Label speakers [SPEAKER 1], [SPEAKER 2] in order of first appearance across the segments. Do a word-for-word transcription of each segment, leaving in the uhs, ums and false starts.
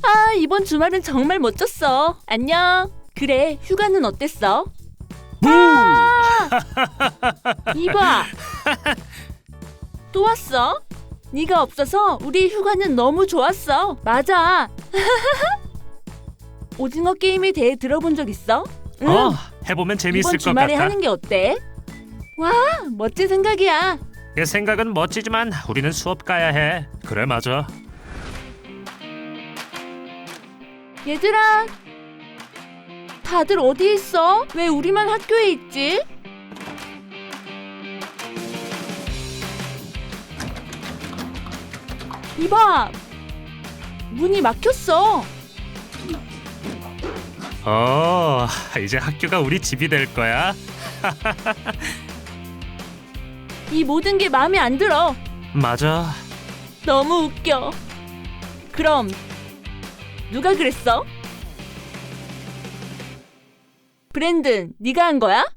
[SPEAKER 1] 아, 이번 주말은 정말 멋졌어. 안녕. 그래, 휴가는 어땠어? 아! 이봐. 또 왔어? 네가 없어서 우리 휴가는 너무 좋았어. 맞아. 오징어 게임에 대해 들어본 적 있어? 응.
[SPEAKER 2] 어, 해보면 재밌을
[SPEAKER 1] 이번
[SPEAKER 2] 것
[SPEAKER 1] 주말에
[SPEAKER 2] 같다.
[SPEAKER 1] 하는 게 어때? 와, 멋진 생각이야.
[SPEAKER 2] 내 생각은 멋지지만 우리는 수업 가야 해. 그래, 맞아.
[SPEAKER 1] 얘들아, 다들 어디 있어? 왜 우리만 학교에 있지? 이봐, 문이 막혔어.
[SPEAKER 2] 어, 이제 학교가 우리 집이 될 거야.
[SPEAKER 1] 이 모든 게 마음에 안 들어.
[SPEAKER 2] 맞아.
[SPEAKER 1] 너무 웃겨. 그럼 누가 그랬어? 브랜든, 네가 한 거야?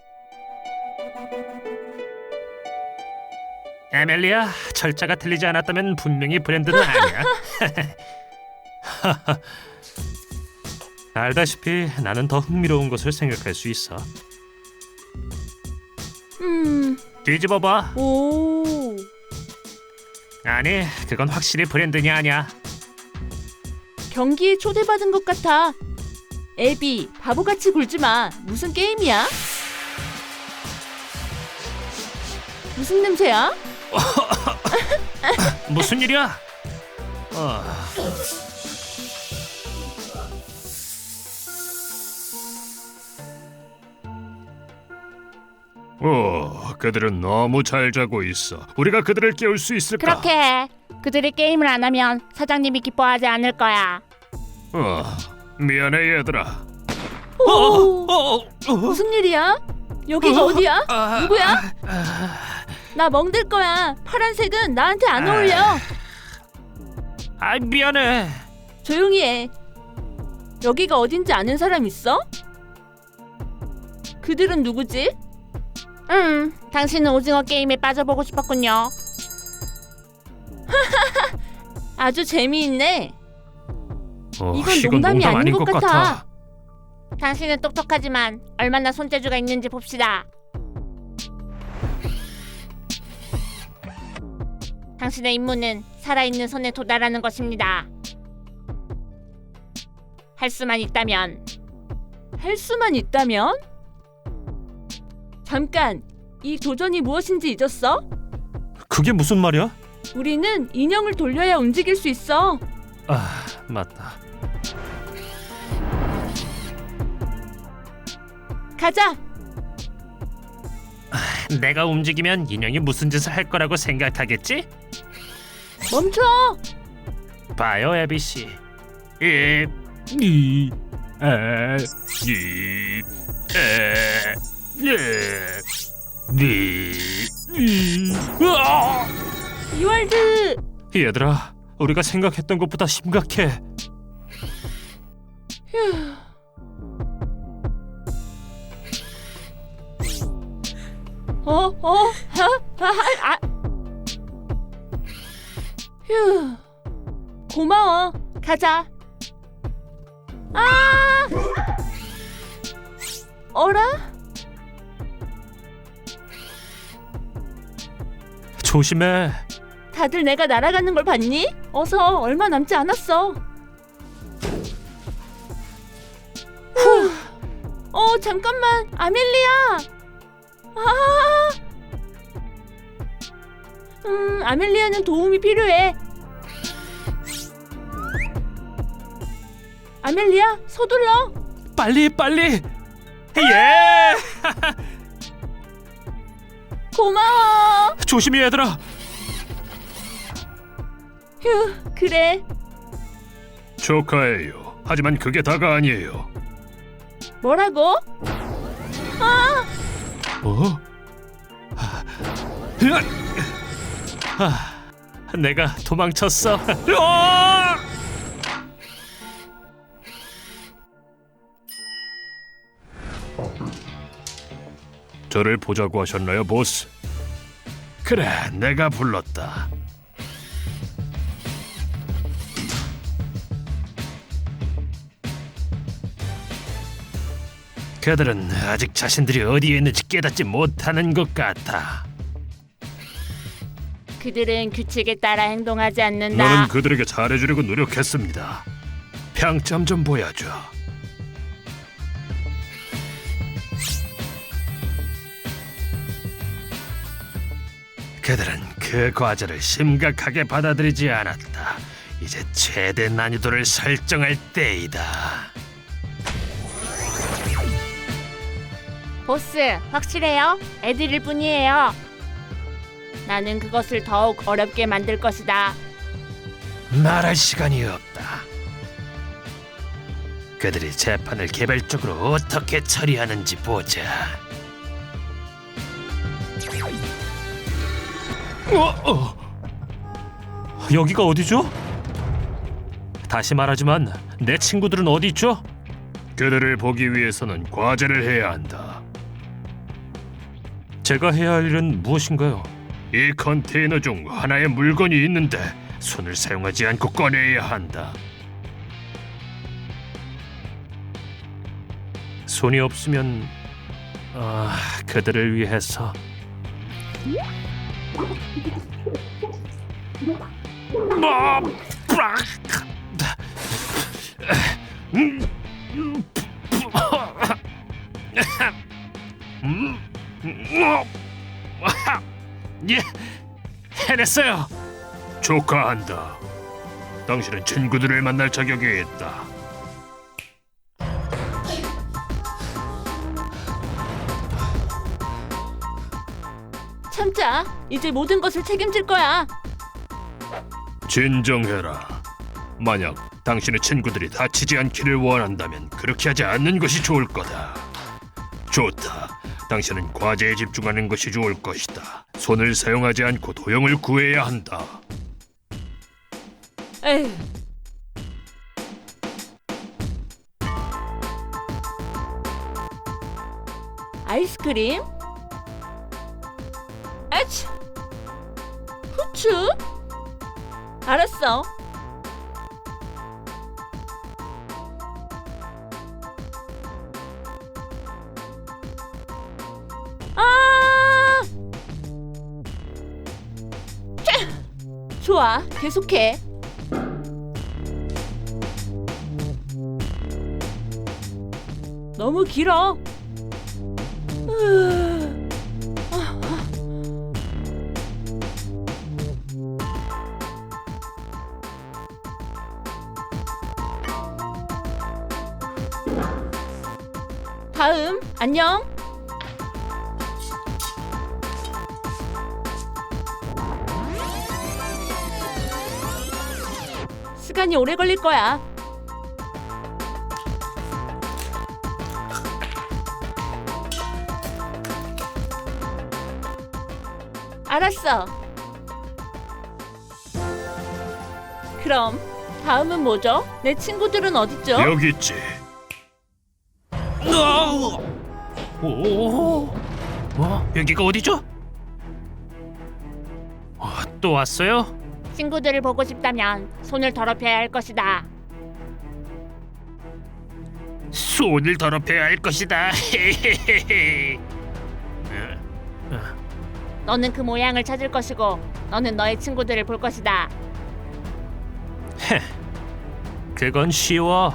[SPEAKER 2] 에멜리야, 철자가 틀리지 않았다면 분명히 브랜드는 아니야. 알다시피 나는 더 흥미로운 것을 생각할 수 있어.
[SPEAKER 1] 음,
[SPEAKER 2] 뒤집어봐.
[SPEAKER 1] 오,
[SPEAKER 2] 아니, 그건 확실히 브랜든이 아니야.
[SPEAKER 1] 경기에 초대받은 것 같아. 애비, 바보같이 굴지 마. 무슨 게임이야? 무슨 냄새야?
[SPEAKER 2] 무슨 일이야? 어.
[SPEAKER 3] 오, 그들은 너무 잘 자고 있어. 우리가 그들을 깨울 수 있을까?
[SPEAKER 4] 그렇게 해. 그들이 게임을 안 하면 사장님이 기뻐하지 않을 거야.
[SPEAKER 3] 어, 미안해 얘들아.
[SPEAKER 1] 오,
[SPEAKER 2] 어, 어, 어.
[SPEAKER 1] 무슨 일이야? 여기가 어디야?
[SPEAKER 2] 아,
[SPEAKER 1] 누구야? 나 멍들 거야. 파란색은 나한테 안 어울려.
[SPEAKER 2] 아, 미안해.
[SPEAKER 1] 조용히 해. 여기가 어딘지 아는 사람 있어? 그들은 누구지?
[SPEAKER 4] 음, 당신은 오징어 게임에 빠져보고 싶었군요.
[SPEAKER 1] 아주 재미있네.
[SPEAKER 3] 어,
[SPEAKER 1] 이건 농담이
[SPEAKER 3] 농담
[SPEAKER 1] 아닌 것 같아.
[SPEAKER 4] 당신은 똑똑하지만 얼마나 손재주가 있는지 봅시다. 당신의 임무는 살아있는 손에 도달하는 것입니다. 할 수만 있다면.
[SPEAKER 1] 할 수만 있다면? 잠깐, 이 도전이 무엇인지 잊었어?
[SPEAKER 2] 그게 무슨 말이야?
[SPEAKER 1] 우리는 인형을 돌려야 움직일 수 있어.
[SPEAKER 2] 아, 맞다.
[SPEAKER 1] 가자.
[SPEAKER 2] 내가 움직이면 인형이 무슨 짓을 할 거라고 생각하겠지?
[SPEAKER 1] 멈춰.
[SPEAKER 2] 봐요, 에비 씨.
[SPEAKER 3] 이, 이, 에, 이, 에, 예, 니, 이, 으아!
[SPEAKER 1] 이월드.
[SPEAKER 2] 얘들아, 우리가 생각했던 것보다 심각해.
[SPEAKER 1] 어? 어? 하? 하? 아. 휴. 고마워. 가자. 아! 어라?
[SPEAKER 2] 조심해.
[SPEAKER 1] 다들 내가 날아가는 걸 봤니? 어서, 얼마 남지 않았어. 후. 어, 잠깐만. 아멜리아. 아. 음, 아멜리아는 도움이 필요해. 아멜리아, 서둘러.
[SPEAKER 2] 빨리, 빨리. 예!
[SPEAKER 1] 고마워.
[SPEAKER 2] 조심히 얘들아.
[SPEAKER 1] 휴, 그래.
[SPEAKER 3] 축하해요. 하지만 그게 다가 아니에요.
[SPEAKER 1] 뭐라고? 아,
[SPEAKER 2] 어? 아, 아, 내가 도망쳤어. 으아!
[SPEAKER 3] 저를 보자고 하셨나요, 보스? 그래, 내가 불렀다.
[SPEAKER 2] 그들은 아직 자신들이 어디에 있는지 깨닫지 못하는 것 같아.
[SPEAKER 4] 그들은 규칙에 따라 행동하지 않는다.
[SPEAKER 3] 나는 그들에게 잘해주려고 노력했습니다.
[SPEAKER 2] 평점 좀 보여줘. 그들은 그 과제를 심각하게 받아들이지 않았다. 이제 최대 난이도를 설정할 때이다.
[SPEAKER 4] 보스, 확실해요? 애들일 뿐이에요. 나는 그것을 더욱 어렵게 만들 것이다.
[SPEAKER 2] 말할 시간이 없다. 그들이 재판을 개별적으로 어떻게 처리하는지 보자. 어, 어. 여기가 어디죠? 다시 말하지만 내 친구들은 어디 있죠?
[SPEAKER 3] 그들을 보기 위해서는 과제를 해야 한다.
[SPEAKER 2] 제가 해야 할 일은 무엇인가요?
[SPEAKER 3] 이 컨테이너 중 하나의 물건이 있는데 손을 사용하지 않고 꺼내야 한다.
[SPEAKER 2] 손이 없으면 아, 그들을 위해서 뭐, 브락. 음, 음, 음, 음, 예, 해냈어요.
[SPEAKER 3] 축하한다. 당신은 친구들을 만날 자격이 있다.
[SPEAKER 1] 참자. 이제 모든 것을 책임질 거야.
[SPEAKER 3] 진정해라. 만약 당신의 친구들이 다치지 않기를 원한다면 그렇게 하지 않는 것이 좋을 거다. 좋다. 당신은 과제에 집중하는 것이 좋을 것이다. 손을 사용하지 않고 도형을 구해야 한다.
[SPEAKER 1] 에휴. 아이스크림? 아치! 후추? 알았어. 아! 캬! 좋아, 계속해. 너무 길어. 으... 아, 아. 다음, 안녕. 시간이 오래 걸릴 거야. 알았어. 그럼 다음은 뭐죠? 내 친구들은 어딨죠?
[SPEAKER 3] 여기 있지.
[SPEAKER 2] 오, 어? 여기가 어디죠? 어, 또 왔어요?
[SPEAKER 4] 친구들을 보고 싶다면 손을 더럽혀야 할 것이다.
[SPEAKER 2] 손을 더럽혀야 할 것이다.
[SPEAKER 4] 너는 그 모양을 찾을 것이고 너는 너의 친구들을 볼 것이다.
[SPEAKER 2] 그건 쉬워.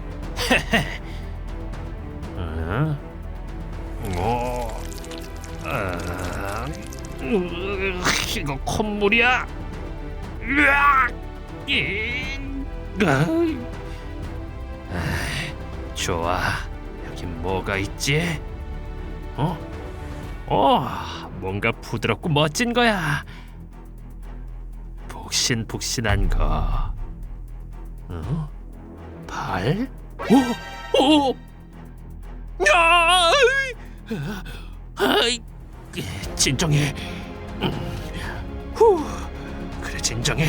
[SPEAKER 2] 어? 어? 아, 으, 이거 콧물이야. 으악! 이, 으. 아, 좋아. 여기 뭐가 있지? 어? 어, 뭔가 부드럽고 멋진 거야. 복신복신한 거. 어? 발? 오! 오! 야! 아이, 진정해. 후, 그래 진정해.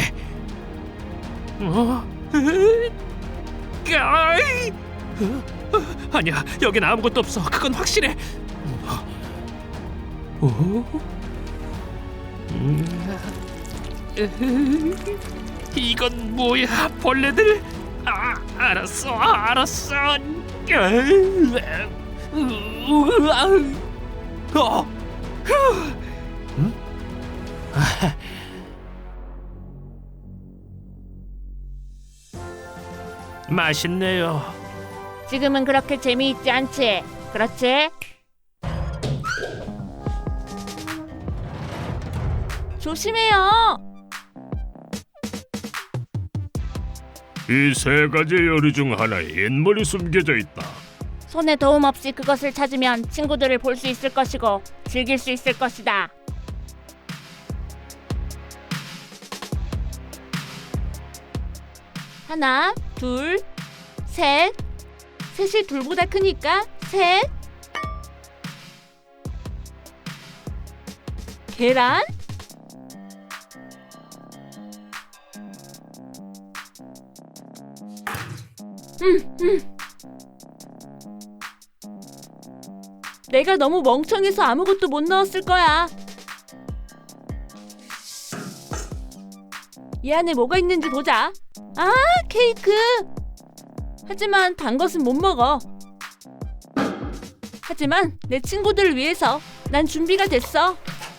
[SPEAKER 2] 어? 아이, 아니야, 여긴 아무것도 없어. 그건 확실해. 오? 이건 뭐야? 벌레들? 아, 알았어, 알았어. 으, 아우. 어. 응? 맛있네요.
[SPEAKER 4] 지금은 그렇게 재미있지 않지? 그렇지?
[SPEAKER 1] 조심해요.
[SPEAKER 3] 이 세 가지 요리 중 하나에 인물이 숨겨져 있다.
[SPEAKER 4] 손에 도움 없이 그것을 찾으면 친구들을 볼 수 있을 것이고 즐길 수 있을 것이다.
[SPEAKER 1] 하나, 둘, 셋. 셋이 둘보다 크니까 셋. 계란? 음, 음. 내가 너무 멍청해서 아무것도 못 넣었을 거야. 이 안에 뭐가 있는지 보자. 아, 케이크. 하지만 단 것은 못 먹어. 하지만 내 친구들을 위해서 난 준비가 됐어.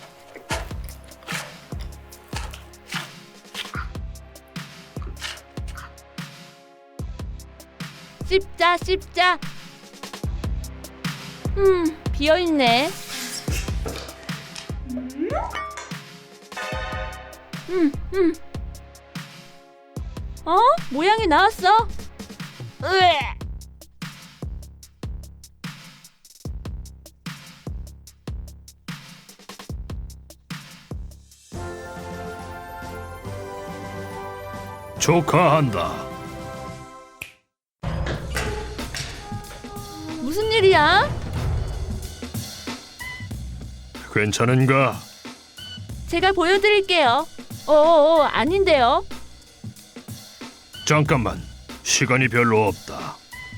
[SPEAKER 1] 씹자, 씹자. 음, 비어있네. 음, 음. 어? 모양이 나왔어. 으에.
[SPEAKER 3] 축하한다.
[SPEAKER 1] 무슨 일이야?
[SPEAKER 3] 괜찮은가?
[SPEAKER 1] 제가 보여드릴게요. 어어, 아닌데요.
[SPEAKER 3] 잠깐만. 시간이 별로 없다.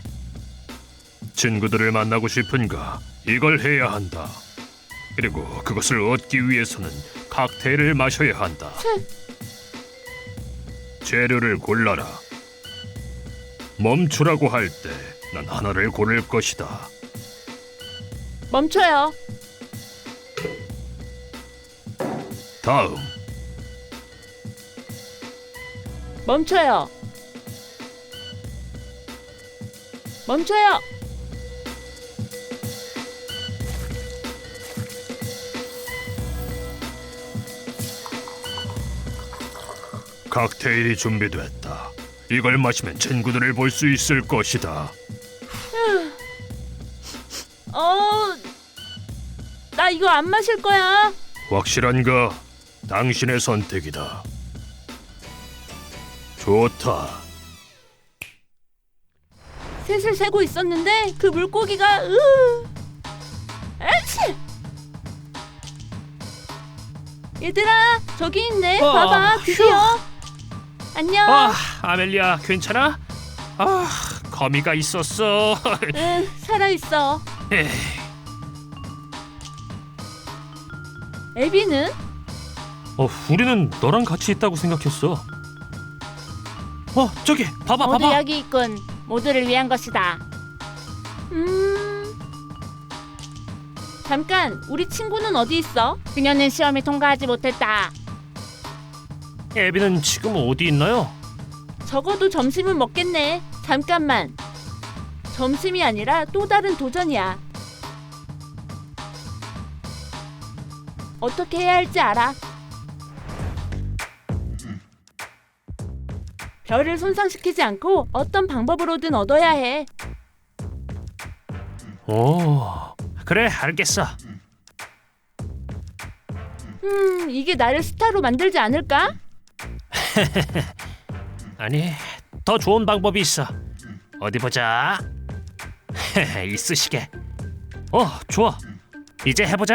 [SPEAKER 3] 친구들을 만나고 싶은가? 이걸 해야 한다. 그리고 그것을 얻기 위해서는 칵테일을 마셔야 한다. 재료를 골라라. 멈추라고 할 때 난 하나를 고를 것이다.
[SPEAKER 1] 멈춰요.
[SPEAKER 3] 다음.
[SPEAKER 1] 멈춰요. 멈춰요.
[SPEAKER 3] 칵테일이 준비됐다. 이걸 마시면 친구들을 볼 수 있을 것이다.
[SPEAKER 1] 어, 나 이거 안 마실 거야.
[SPEAKER 3] 확실한가? 당신의 선택이다. 좋다.
[SPEAKER 1] 셋을 세고 있었는데 그 물고기가 으. 아치! 얘들아, 저기 있네.
[SPEAKER 2] 어,
[SPEAKER 1] 봐봐, 드디어. 안녕.
[SPEAKER 2] 아, 아멜리아 괜찮아? 아, 거미가 있었어.
[SPEAKER 1] 응, 살아있어.
[SPEAKER 2] 에이,
[SPEAKER 1] 애비는?
[SPEAKER 2] 어, 우리는 너랑 같이 있다고 생각했어. 어, 저기 봐봐,
[SPEAKER 4] 모두
[SPEAKER 2] 봐봐.
[SPEAKER 4] 여기 있군. 모두를 위한 것이다.
[SPEAKER 1] 음. 잠깐, 우리 친구는 어디 있어?
[SPEAKER 4] 그녀는 시험에 통과하지 못했다.
[SPEAKER 2] 애비는 지금 어디 있나요?
[SPEAKER 1] 적어도 점심은 먹겠네. 잠깐만. 점심이 아니라 또 다른 도전이야. 어떻게 해야 할지 알아. 별을 손상시키지 않고 어떤 방법으로든 얻어야 해.
[SPEAKER 2] 오, 그래, 알겠어.
[SPEAKER 1] 음, 이게 나를 스타로 만들지 않을까?
[SPEAKER 2] 아니, 더 좋은 방법이 있어. 어디 보자. 이쑤시개. 어, 좋아. 이제 해보자.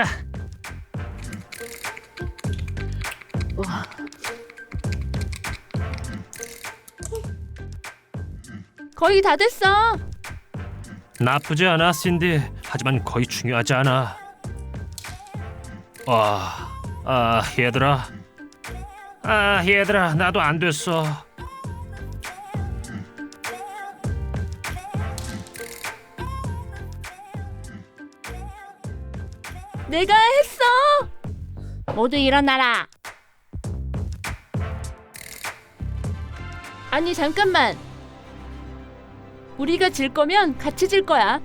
[SPEAKER 1] 거의 다 됐어.
[SPEAKER 2] 나쁘지 않아, 신디. 하지만 거의 중요하지 않아. 아, 아, 얘들아. 아, 얘들아, 나도 안 됐어.
[SPEAKER 1] 내가 했어.
[SPEAKER 4] 모두 일어나라.
[SPEAKER 1] 아니 잠깐만. 우리가 질 거면 같이 질 거야.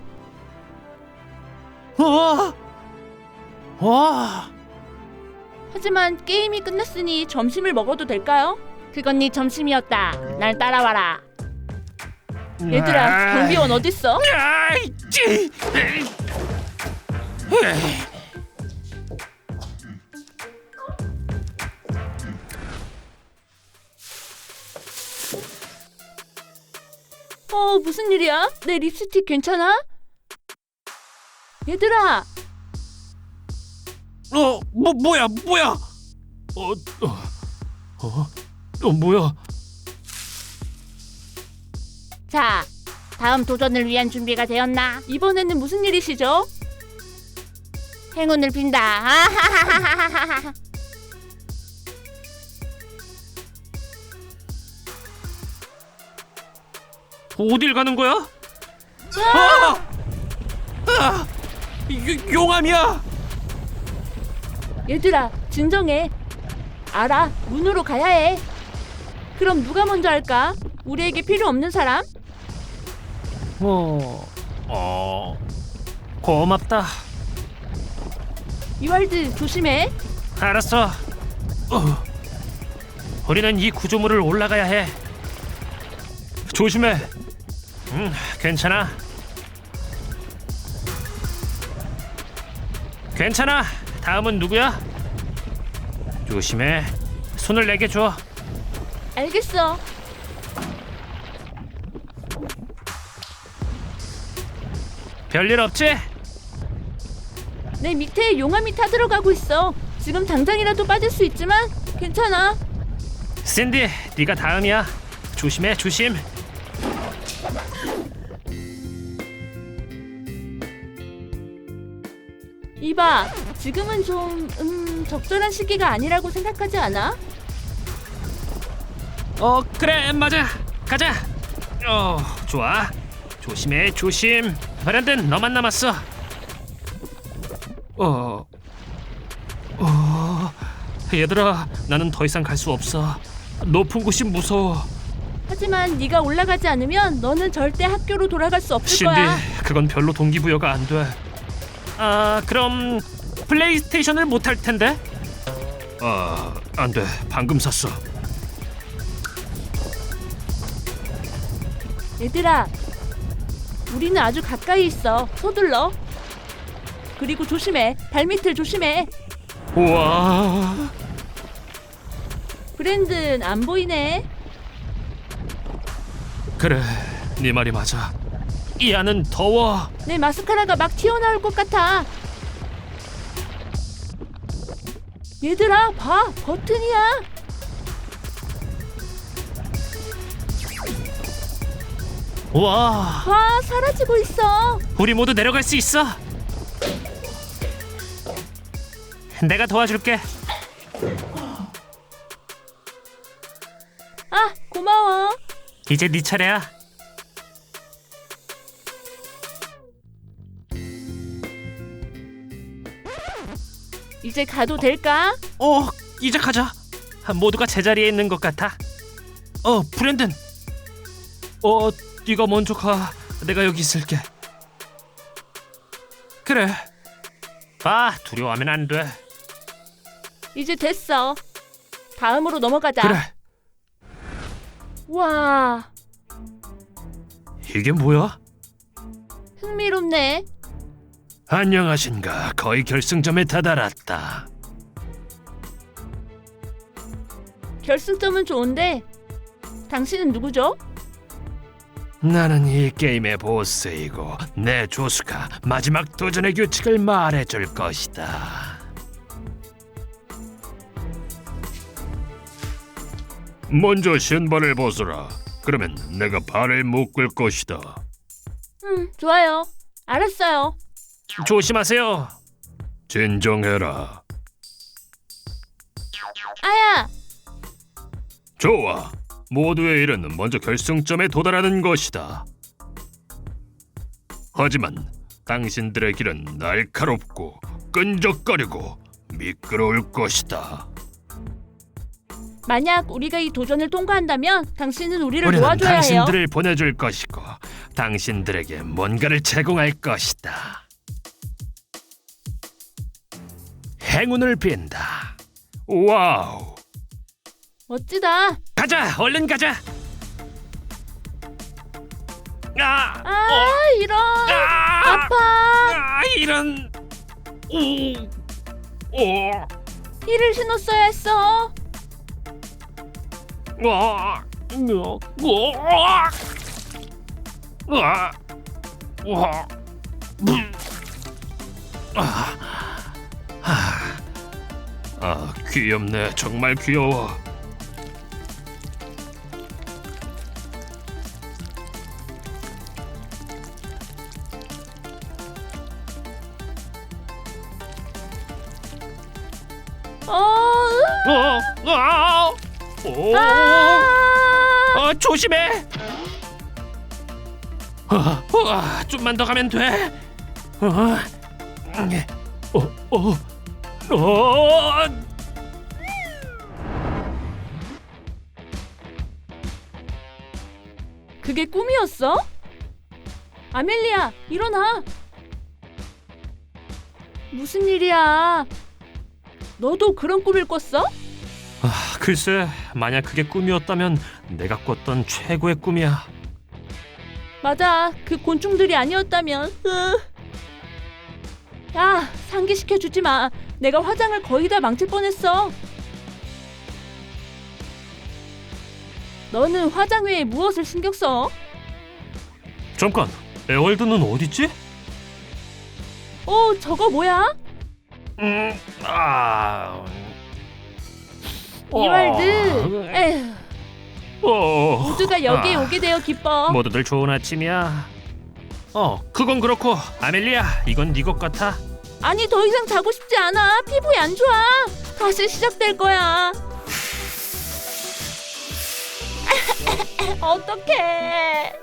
[SPEAKER 2] 와, 와,
[SPEAKER 1] 하지만 게임이 끝났으니 점심을 먹어도 될까요?
[SPEAKER 4] 그건 네 점심이었다. 날 따라와라.
[SPEAKER 1] 얘들아, 경비원 어딨어?
[SPEAKER 2] 아이, 찌.
[SPEAKER 1] 어, 무슨 일이야? 내 립스틱 괜찮아? 얘들아,
[SPEAKER 2] 어, 뭐 뭐야, 뭐야? 어, 어, 어, 어 뭐야?
[SPEAKER 4] 자, 다음 도전을 위한 준비가 되었나?
[SPEAKER 1] 이번에는 무슨 일이시죠?
[SPEAKER 4] 행운을 빈다. 아하하하하하.
[SPEAKER 2] 어딜 가는 거야? 아! 아! 요, 용암이야!
[SPEAKER 1] 얘들아, 진정해. 알아, 문으로 가야 해. 그럼 누가 먼저 할까? 우리에게 필요 없는 사람?
[SPEAKER 2] 어, 어, 고맙다.
[SPEAKER 1] 이왈드, 조심해.
[SPEAKER 2] 알았어. 어, 우리는 이 구조물을 올라가야 해. 조심해. 응, 괜찮아. 괜찮아. 다음은 누구야? 조심해. 손을 내게 줘.
[SPEAKER 1] 알겠어.
[SPEAKER 2] 별일 없지?
[SPEAKER 1] 내 밑에 용암이 타들어가고 있어. 지금 당장이라도 빠질 수 있지만 괜찮아.
[SPEAKER 2] 신디, 네가 다음이야. 조심해, 조심.
[SPEAKER 1] 이봐, 지금은 좀 음, 적절한 시기가 아니라고 생각하지 않아?
[SPEAKER 2] 어, 그래, 맞아. 가자. 어, 좋아. 조심해, 조심. 브랜든, 너만 남았어. 어, 어, 얘들아, 나는 더 이상 갈 수 없어. 높은 곳이 무서워.
[SPEAKER 1] 하지만 네가 올라가지 않으면 너는 절대 학교로 돌아갈 수 없을
[SPEAKER 2] 신디,
[SPEAKER 1] 거야.
[SPEAKER 2] 그건 별로 동기부여가 안 돼. 아, 그럼 플레이스테이션을 못 할 텐데? 아, 안 돼. 방금 샀어.
[SPEAKER 1] 얘들아, 우리는 아주 가까이 있어. 서둘러. 그리고 조심해. 발밑을 조심해.
[SPEAKER 2] 우와.
[SPEAKER 1] 브랜든, 안 보이네.
[SPEAKER 2] 그래, 네 말이 맞아. 이 안은 더워.
[SPEAKER 1] 내 마스카라가 막 튀어나올 것 같아. 얘들아, 봐. 버튼이야.
[SPEAKER 2] 와,
[SPEAKER 1] 봐, 사라지고 있어.
[SPEAKER 2] 우리 모두 내려갈 수 있어. 내가 도와줄게.
[SPEAKER 1] 아, 고마워.
[SPEAKER 2] 이제 네 차례야.
[SPEAKER 1] 이제 가도 될까?
[SPEAKER 2] 어, 이제 가자. 모두가 제자리에 있는 것 같아. 어, 브랜든. 어, 네가 먼저 가. 내가 여기 있을게. 그래. 아, 두려워하면 안 돼.
[SPEAKER 1] 이제 됐어. 다음으로 넘어가자.
[SPEAKER 2] 그래.
[SPEAKER 1] 와,
[SPEAKER 2] 이게 뭐야?
[SPEAKER 1] 흥미롭네.
[SPEAKER 2] 안녕하신가. 거의 결승점에 다다랐다.
[SPEAKER 1] 결승점은 좋은데 당신은 누구죠?
[SPEAKER 2] 나는 이 게임의 보스이고 내 조수가 마지막 도전의 규칙을 말해줄 것이다.
[SPEAKER 3] 먼저 신발을 벗어라. 그러면 내가 발을 묶을 것이다.
[SPEAKER 1] 음, 좋아요. 알았어요.
[SPEAKER 2] 조심하세요.
[SPEAKER 3] 진정해라.
[SPEAKER 1] 아야,
[SPEAKER 3] 좋아. 모두의 일은 먼저 결승점에 도달하는 것이다. 하지만 당신들의 길은 날카롭고 끈적거리고 미끄러울 것이다.
[SPEAKER 1] 만약 우리가 이 도전을 통과한다면 당신은 우리를
[SPEAKER 3] 우리는
[SPEAKER 1] 도와줘야 해요.
[SPEAKER 3] 당신들을 보내줄 것이고 당신들에게 뭔가를 제공할 것이다. 행운을 빈다. 와우.
[SPEAKER 1] 멋지다.
[SPEAKER 2] 가자, 얼른 가자. 아,
[SPEAKER 1] 아, 이런.
[SPEAKER 2] 아,
[SPEAKER 1] 아파.
[SPEAKER 2] 아, 이런. 오, 오,
[SPEAKER 1] 힐을 신었어야 했어.
[SPEAKER 2] 와, 오, 오, 와, 와, 음. 아,
[SPEAKER 3] 아, 아, 귀엽네. 정말 귀여워.
[SPEAKER 1] 어.
[SPEAKER 2] 어, 아, 오,
[SPEAKER 1] 아.
[SPEAKER 2] 어, 조심해. 어, 어, 좀만 더 가면 돼. 어, 어, 어, 어.
[SPEAKER 1] 그게 꿈이었어? 아멜리아, 일어나. 무슨 일이야? 너도 그런 꿈을 꿨어?
[SPEAKER 2] 아, 글쎄, 만약 그게 꿈이었다면 내가 꿨던 최고의 꿈이야.
[SPEAKER 1] 맞아, 그 곤충들이 아니었다면. 으. 야, 상기시켜 주지 마. 내가 화장을 거의 다 망칠 뻔했어. 너는 화장 외에 무엇을 신경 써?
[SPEAKER 2] 잠깐, 에월드는 어딨지?
[SPEAKER 1] 어, 저거 뭐야?
[SPEAKER 2] 음, 아,
[SPEAKER 1] 이왈드. 에휴,
[SPEAKER 2] 어,
[SPEAKER 1] 모두가 여기에
[SPEAKER 2] 아,
[SPEAKER 1] 오게 되어 기뻐.
[SPEAKER 2] 모두들 좋은 아침이야. 어, 그건 그렇고 아멜리아, 이건 네 것 같아.
[SPEAKER 1] 아니, 더 이상 자고 싶지 않아. 피부에 안 좋아. 다시 시작될 거야. 어떡해.